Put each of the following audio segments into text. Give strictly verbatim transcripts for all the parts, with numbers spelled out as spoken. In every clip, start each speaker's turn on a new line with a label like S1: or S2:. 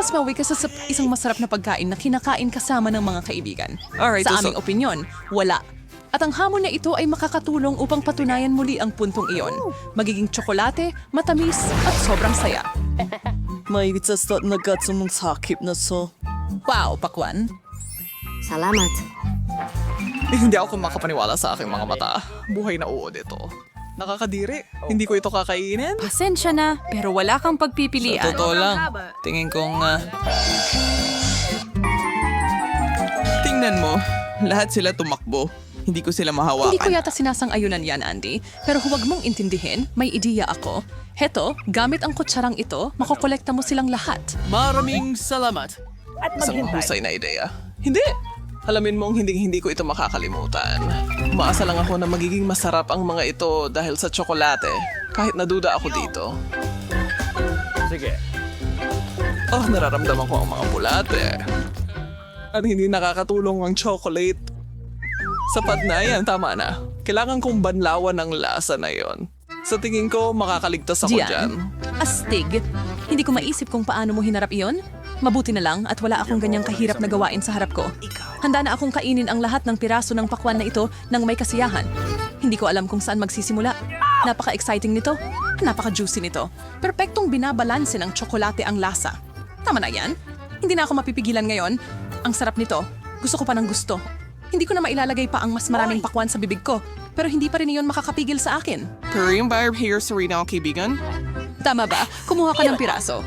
S1: mas mawi ka sa sa isang masarap na pagkain na kinakain kasama ng mga kaibigan.
S2: Alright,
S1: Sa
S2: so-
S1: aming opinyon, wala. At ang hamon na ito ay makakatulong upang patunayan muli ang puntong iyon. Magiging tsokolate, matamis, at sobrang saya.
S2: May sa na gatsong ng sakip na so.
S1: Wow, pakwan.
S3: Salamat.
S2: Eh, hindi ako makapaniwala sa aking mga mata. Buhay na uod ito. Nakakadiri. Hindi ko ito kakainin.
S4: Pasensya na, pero wala kang pagpipilian.
S2: Totoo lang. Tingin kong... ah, Tingnan mo. Lahat sila tumakbo. Hindi ko sila mahawakan.
S1: Hindi ko yata sinasang-ayunan yan, Andy. Pero huwag mong intindihin, may ideya ako. Heto, gamit ang kutsarang ito, makokolekta mo silang lahat.
S2: Maraming salamat. At Isang mahusay na ideya. Hindi. Alamin mong hindi-hindi ko ito makakalimutan. Umaasa lang ako na magiging masarap ang mga ito dahil sa tsokolate. Kahit naduda ako dito.
S5: Sige.
S2: Oh, nararamdaman ko ang mga bulate. At hindi nakakatulong ang chocolate. Sapat na yan, tama na. Kailangan kong banlawan ang lasa na yon. Sa tingin ko, makakaligtas ako dyan.
S1: Astig. Hindi ko maisip kung paano mo hinarap iyon. Mabuti na lang at wala akong ganyang kahirap na gawain sa harap ko. Handa na akong kainin ang lahat ng piraso ng pakwan na ito ng may kasiyahan. Hindi ko alam kung saan magsisimula. Napaka-exciting nito. Napaka-juicy nito. Perpektong binabalanse ng tsokolate ang lasa. Tama na yan. Hindi na ako mapipigilan ngayon. Ang sarap nito. Gusto ko pa ng gusto. Hindi ko na mailalagay pa ang mas maraming pakwan sa bibig ko. Pero hindi pa rin iyon makakapigil sa akin.
S2: Korean buyer here, Serena, kaibigan?
S1: Tama ba? Kumuha ka ng piraso.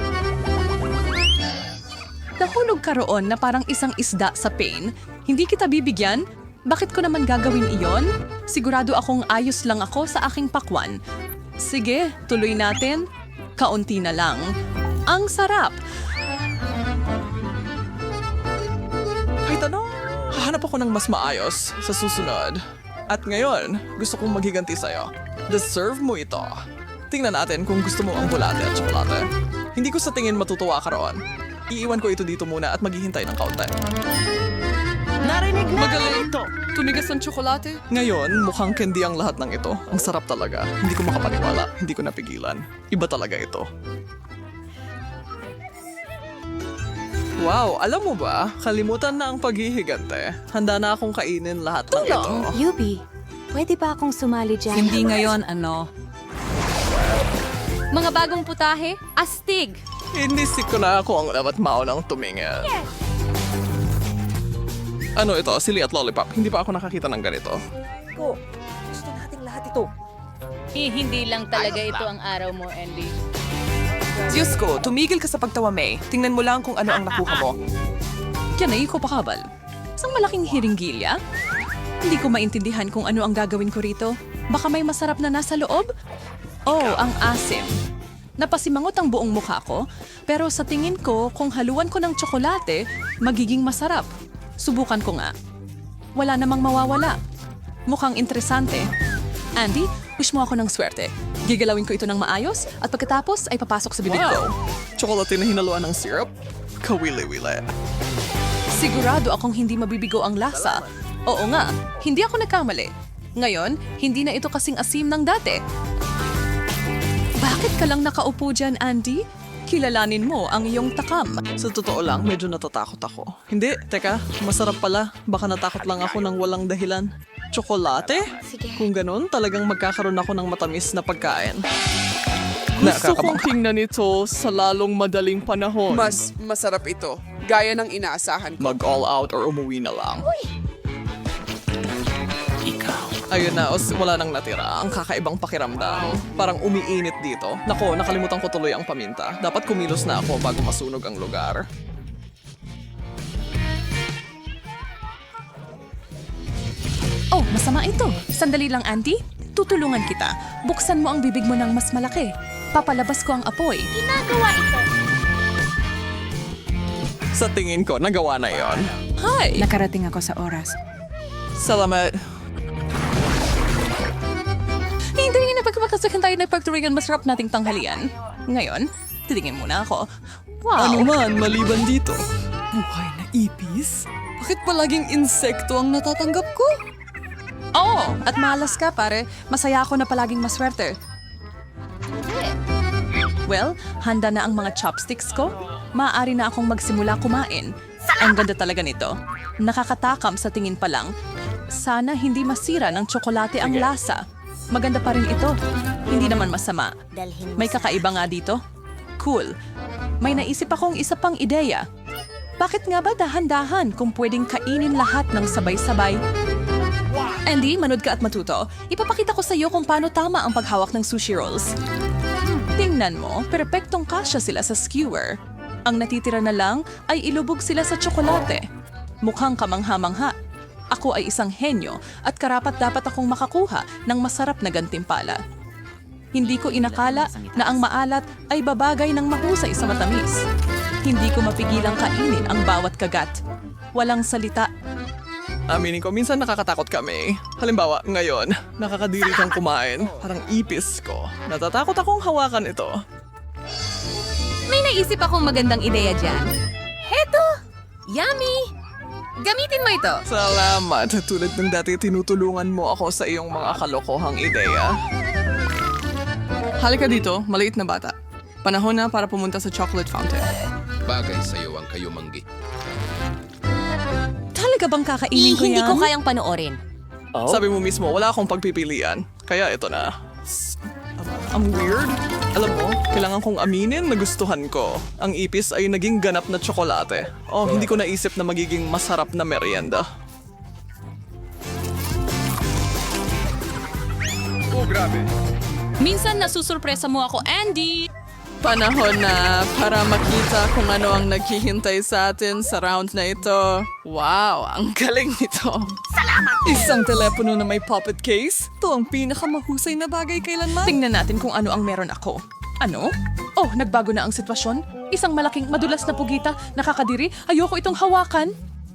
S1: Nahulog ka roon na parang isang isda sa pain. Hindi kita bibigyan? Bakit ko naman gagawin iyon? Sigurado akong ayos lang ako sa aking pakwan. Sige, tuloy natin. Kaunti na lang. Ang sarap!
S2: Kahit ano, hahanap ako ng mas maayos sa susunod. At ngayon, gusto kong maghiganti sa'yo. Deserve mo ito. Tingnan natin kung gusto mo ang bulate at tsokolate. Hindi ko sa tingin matutuwa ka roon. Iiwan ko ito dito muna at maghihintay ng kaunti.
S3: Narinig na
S1: Magaling ito! Tumigas ng tsokolate?
S2: Ngayon, mukhang candy ang lahat ng ito. Ang sarap talaga. Hindi ko makapaniwala. Hindi ko napigilan. Iba talaga ito. Wow, alam mo ba? Kalimutan na ang paghihigante. Handa na akong kainin lahat ng ito.
S3: Yubi, pwede ba akong sumali dyan?
S4: Hindi ngayon, ano. Mga bagong putahe, astig!
S2: Inisip ko na ako ang dapat maunang tumingin. Ano ito? Sili at lollipop. Hindi pa ako nakakita ng ganito.
S3: Ko, gusto nating lahat ito.
S6: Eh, hindi lang talaga ito ang araw mo, Andy.
S7: Diyos ko, tumigil ka sa pagtawa, May. Tingnan mo lang kung ano ang nakuha mo.
S1: Yan ay ko pakabal. Isang malaking hiringgilya? Hindi ko maintindihan kung ano ang gagawin ko rito. Baka may masarap na nasa loob? Oh, ang asim. Napasimangot ang buong mukha ko, pero sa tingin ko, kung haluan ko ng tsokolate, magiging masarap. Subukan ko nga. Wala namang mawawala. Mukhang interesante. Andy, wish mo ako ng swerte. Gigalawin ko ito ng maayos at pagkatapos ay papasok sa bibig ko.
S2: Tsokolate na hinaluan ng syrup? Kawili-wili.
S1: Sigurado akong hindi mabibigo ang lasa. Oo nga, hindi ako nagkamali. Ngayon, hindi na ito kasing asim ng dati. Bakit ka lang nakaupo dyan, Andy? Kilalanin mo ang iyong takam.
S2: Sa totoo lang, medyo natatakot ako. Hindi, teka, masarap pala. Baka natakot lang ako ng walang dahilan. Tsokolate? Kung ganun, talagang magkakaroon ako ng matamis na pagkain. Gusto kong tingnan ito sa lalong madaling panahon.
S8: Mas masarap ito. Gaya ng inaasahan ko.
S2: Mag-all out or umuwi na lang. Ayun na, os, wala nang natira. Ang kakaibang pakiramdam. Parang umiinit dito. Nako, nakalimutan ko tuloy ang paminta. Dapat kumilos na ako bago masunog ang lugar.
S1: Oh, masama ito. Sandali lang, Andy. Tutulungan kita. Buksan mo ang bibig mo ng mas malaki. Papalabas ko ang apoy.
S2: Sa tingin ko, nagawa na yon.
S1: Hi!
S4: Nakarating ako sa oras.
S2: Salamat.
S1: Hindi na pagkakasakyan tayo na pagturingan masarap nating tanghalian. Ngayon, titingin muna ako. Wow!
S2: Ano man, maliban dito. Buhay na ipis? Bakit palaging insekto ang natatanggap ko?
S1: Oo! At malas ka, pare. Masaya ako na palaging maswerte. Well, handa na ang mga chopsticks ko. Maaari na akong magsimula kumain. Ang ganda talaga nito. Nakakatakam sa tingin pa lang. Sana hindi masira ng tsokolate ang lasa. Maganda pa rin ito. Hindi naman masama. May kakaiba nga dito. Cool. May naisip akong isa pang ideya. Bakit nga ba dahan-dahan kung pwedeng kainin lahat ng sabay-sabay? Andy, manood ka at matuto. Ipapakita ko sa iyo kung paano tama ang paghawak ng sushi rolls. Tingnan mo, perpektong kasya sila sa skewer. Ang natitira na lang ay ilubog sila sa tsokolate. Mukhang kamangha-mangha. Ako ay isang henyo at karapat dapat akong makakuha ng masarap na gantimpala. Hindi ko inakala na ang maalat ay babagay ng mahusay sa matamis. Hindi ko mapigilang kainin ang bawat kagat. Walang salita.
S2: Aminin ko, minsan nakakatakot kami. Halimbawa, ngayon, nakakadiri kang kumain. Parang ipis ko. Natatakot akong hawakan ito.
S4: May naisip akong magandang ideya dyan. Heto! Yummy! Gamitin mo ito.
S2: Salamat. Tulad ng dati, tinutulungan mo ako sa iyong mga kalokohang ideya. Halika dito, maliit na bata. Panahon na para pumunta sa chocolate fountain.
S9: Bagay sa'yo ang kayumanggi.
S1: Talaga bang kakainin ko yan?
S4: kayang panoorin.
S2: Sabi mo mismo, wala akong pagpipilian. Kaya ito na. Ang weird. Alam mo, kailangan kong aminin na gustuhan ko. Ang ipis ay naging ganap na tsokolate. Oh, hindi ko naisip na magiging masarap na merienda.
S9: Oh, grabe.
S1: Minsan nasusurpresa mo ako, Andy!
S2: Panahon na para makita kung ano ang naghihintay sa atin sa round na ito. Wow, ang galing nito. Salamat! Isang telepono na may puppet case. Ito ang pinakamahusay na bagay kailanman.
S1: Tingnan natin kung ano ang meron ako. Ano? Oh, nagbago na ang sitwasyon. Isang malaking madulas na pugita, nakakadiri. Ayoko itong hawakan.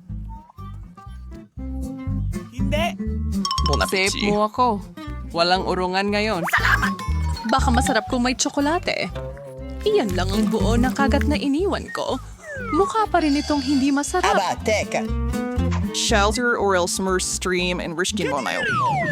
S2: Bon
S7: Safe
S2: appetit.
S7: mo ako. Walang urungan ngayon.
S1: Baka masarap kung may tsokolate. Iyan lang ang buo na kagat na iniwan ko. Mukha pa rin itong hindi masarap.
S2: Shelter or else mer stream and rishkin mo na yun.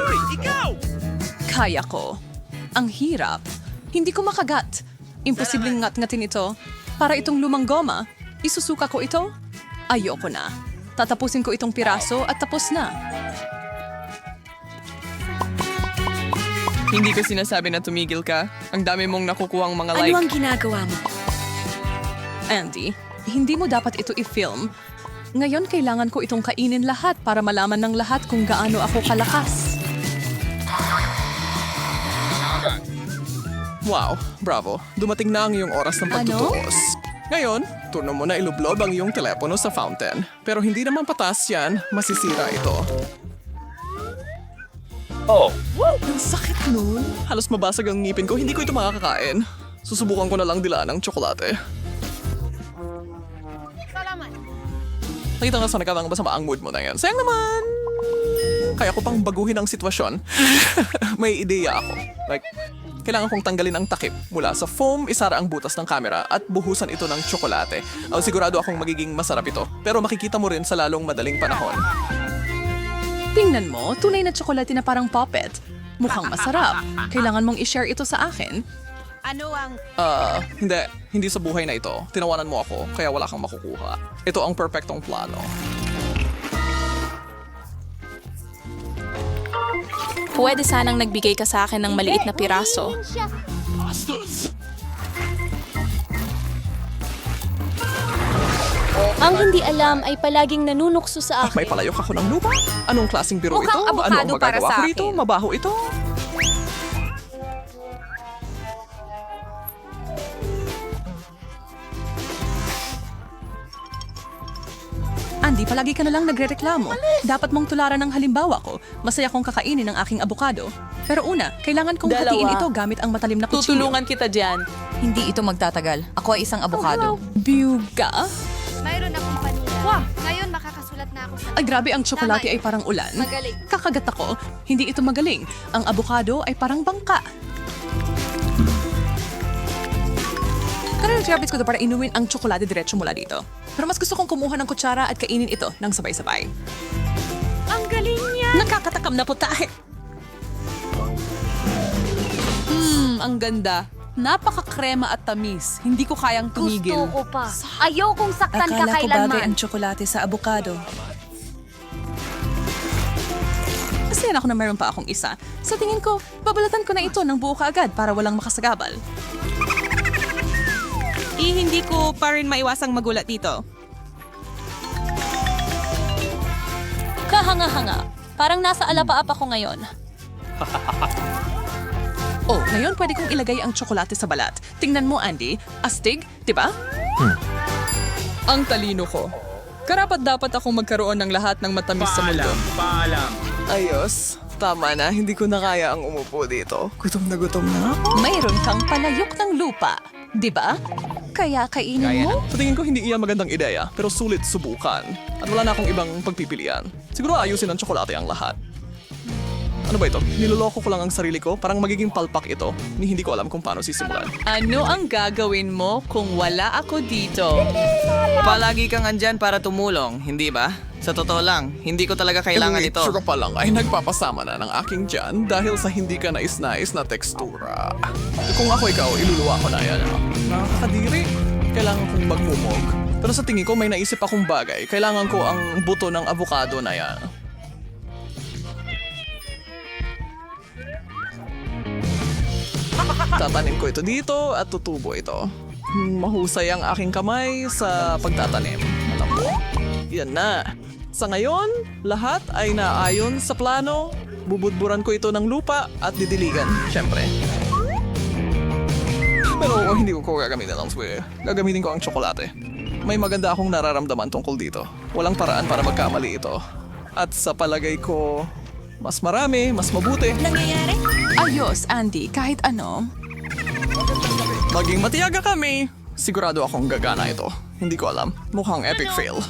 S1: Kaya ko. Ang hirap. Hindi ko makagat. Imposibleng ngat-ngatin ito. Para itong lumang goma, isusuka ko ito. Ayoko na. Tatapusin ko itong piraso at tapos na.
S2: Hindi ko sinasabi na tumigil ka. Ang dami mong nakukuhang mga like.
S3: Ano ang ginagawa mo?
S1: Andy, hindi mo dapat ito i-film. Ngayon kailangan ko itong kainin lahat para malaman ng lahat kung gaano ako kalakas.
S2: Wow, bravo. Dumating na ang iyong oras ng pagtutuos. Ngayon, turno mo na ilublob ang iyong telepono sa fountain. Pero hindi naman patas yan, masisira ito.
S5: Oh,
S2: Ang sakit nun. Halos mabasag ang ngipin ko, hindi ko ito makakakain. Susubukan ko na lang dilaan ng tsokolate. Nakita nga sa nakatang masama ang mood mo na yan. Sayang naman! Kaya ko pang baguhin ang sitwasyon. May ideya ako. Like, kailangan kong tanggalin ang takip mula sa foam, isara ang butas ng camera at buhusan ito ng tsokolate. Uh, sigurado akong magiging masarap ito. Pero makikita mo rin sa lalong madaling panahon.
S1: Tingnan mo, tunay na tsokolate na parang puppet. Mukhang masarap. Kailangan mong i-share ito sa akin.
S2: Ah, hindi. Hindi sa buhay na ito. Tinawanan mo ako, kaya wala kang makukuha. Ito ang perpektong plano.
S10: Pwede sanang nagbigay ka sa akin ng maliit na piraso.
S6: Ang hindi alam ay palaging nanunukso sa
S2: Ah, may
S6: akin.
S2: palayok ako ng lupa? Anong klaseng biro
S4: Mukhang
S2: ito? Ano ang
S4: abukado para
S2: magagawa
S4: sa
S2: ko rito?
S4: akin.
S2: Mabaho ito?
S1: Andy, palagi ka na lang nagrereklamo. Dapat mong tularan ng halimbawa ko. Masaya kong kakainin ang aking abukado. Pero una, kailangan kong
S4: Dalawa.
S1: hatiin ito gamit ang matalim na kutsilyo.
S4: Tutulungan kita dyan. Hindi ito magtatagal. Ako ay isang abogado.
S1: Biuga?
S11: Mayroon akong panila. Ngayon makakasulat na ako sa...
S1: Ay grabe, ang tsokolate ay parang ulan.
S11: Magaling.
S1: Kakagat ako. Hindi ito magaling. Ang abukado ay parang bangka. Karang trapit ko to para inuwin ang tsokolate diretso mula dito. Pero mas gusto kong kumuha ng kutsara at kainin ito ng sabay-sabay.
S11: Ang galing niya!
S1: Nakakatakam na putahe.
S7: Hmm, ang ganda. Napaka-krema at tamis. Hindi ko kayang tumigil.
S11: Gusto ko pa. Ayokong saktan ka kailanman.
S1: tsokolate sa abukado. Masaya ako na meron pa akong isa. Sa tingin ko, babalatan ko na ito ng buo kaagad para walang makasagabal.
S7: Eh, hindi ko pa rin maiwasang magulat dito.
S10: Kahanga-hanga. Parang nasa alapaap ako ngayon.
S1: Oh, ngayon pwede kong ilagay ang tsokolate sa balat. Tingnan mo, Andy. Astig, di ba?
S2: Ang talino ko. Karapat dapat akong magkaroon ng lahat ng matamis sa mundo.
S5: Paalam.
S2: Ayos. Tama na, hindi ko na kaya ang umupo dito. Gutom na gutom na ako.
S1: Mayroon kang palayok ng lupa, di ba? Kaya kainin mo?
S2: Sa tingin ko hindi iyan magandang ideya, pero sulit subukan. At wala na akong ibang pagpipilian. Siguro ayusin ng tsokolate ang lahat. Ano ba ito? Niloloko ko lang ang sarili ko? Parang magiging palpak ito. Ni hindi ko alam kung paano sisimulan.
S1: Ano ang gagawin mo kung wala ako dito?
S12: Palagi kang andyan para tumulong, hindi ba? Sa totoo lang, hindi ko talaga kailangan
S2: Yung
S12: ito.
S2: itsura pa lang ay nagpapasama na ng aking tiyan dahil sa hindi ka nais-nais na tekstura. Kung ako ikaw, iluluwa ko na yan. Nakakadiri. Kailangan kong magmumog. Pero sa tingin ko may naisip akong bagay. Kailangan ko ang buto ng avocado na yan. Tatanim ko ito dito at tutubo ito. Mahusay ang aking kamay sa pagtatanim. Alam mo, yan na. Sa ngayon, lahat ay naayon sa plano. Bubudburan ko ito ng lupa at didiligan, syempre. Pero hindi ko ko gagamitin ang swear. Gagamitin ko ang tsokolate. May maganda akong nararamdaman tungkol dito. Walang paraan para magkamali ito. At sa palagay ko, mas marami, mas mabuti.
S1: Ayos, Andy, kahit ano.
S2: Maging matiyaga kami. Sigurado akong gagana ito. Hindi ko alam. Mukhang epic fail.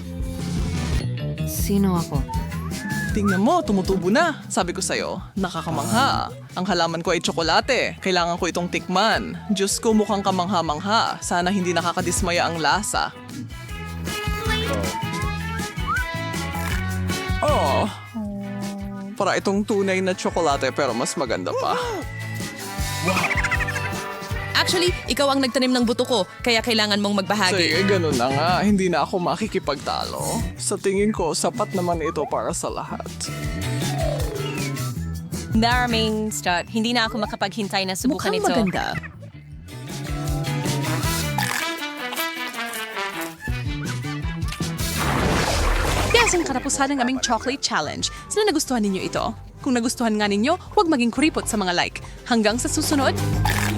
S3: Sino ako?
S2: Tingnan mo, tumutubo na. Sabi ko sa'yo, nakakamangha. Ang halaman ko ay tsokolate. Kailangan ko itong tikman. Diyos ko, mukhang kamangha-mangha. Sana hindi nakakadismaya ang lasa. Oh. Para itong tunay na tsokolate pero mas maganda pa.
S1: Actually, ikaw ang nagtanim ng buto ko, kaya kailangan mong magbahagi.
S2: Sige, ganun na nga. Hindi na ako makikipagtalo. Sa tingin ko, sapat naman ito para sa lahat.
S4: Maraming start. Hindi na ako makapaghintay na subukan
S1: Mukhang
S4: ito.
S1: maganda. Yes, ang katapusan ng aming chocolate challenge. Sana nagustuhan ninyo ito? Kung nagustuhan nga ninyo, huwag maging kuripot sa mga like. Hanggang sa susunod,